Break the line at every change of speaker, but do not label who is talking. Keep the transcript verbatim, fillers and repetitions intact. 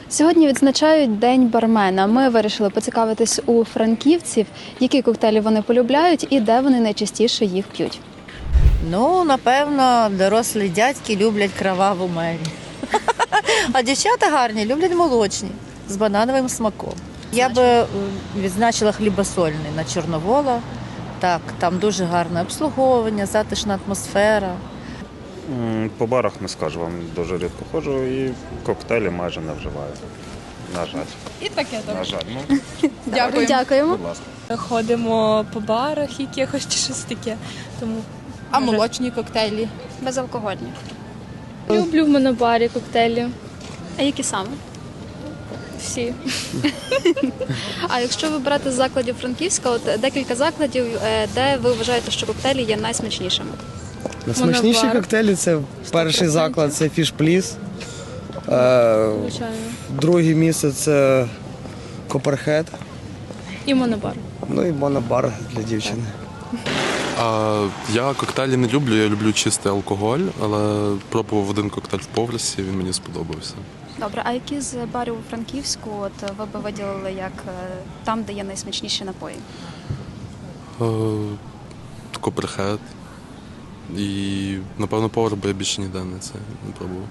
Сьогодні відзначають День бармена. Ми вирішили поцікавитись у франківців, які коктейлі вони полюбляють і де вони найчастіше їх п'ють.
Ну, напевно, дорослі дядьки люблять кроваву мері. А дівчата гарні люблять молочні з банановим смаком. Я би е, відзначила хлібосольний на Чорновола. Так, там дуже гарне обслуговування, затишна атмосфера.
М, По барах не скажу, вам дуже рідко ходжу і коктейлі майже не вживаю. На жаль.
І таке
На
там.
жаль. Ну,
Дякую.
Дякуємо.
будь ласка.
Ходимо по барах якихось чи щось таке. Тому
А молочні коктейлі?
Безалкогольні.
Люблю в монобарі коктейлі.
А які саме?
Всі.
А якщо ви берете з закладів Франківська, от декілька закладів, е, де ви вважаєте, що коктейлі є найсмачнішими?
Найсмачніші
Монобар.
коктейлі це перший заклад, це Fish Please. Е,
Звичайно.
Друге місце це Copperhead.
І монобар.
Ну і монобар для дівчини.
А, я коктейлі не люблю, я люблю чистий алкоголь, але пробував один коктейль в Повлісі, він мені сподобався.
Добре, а які з барів у Франківську от ви би виділили як е, там, де є найсмачніші напої?
Коперхед. І, напевно, повар, бо я більше ніде не це не пробував.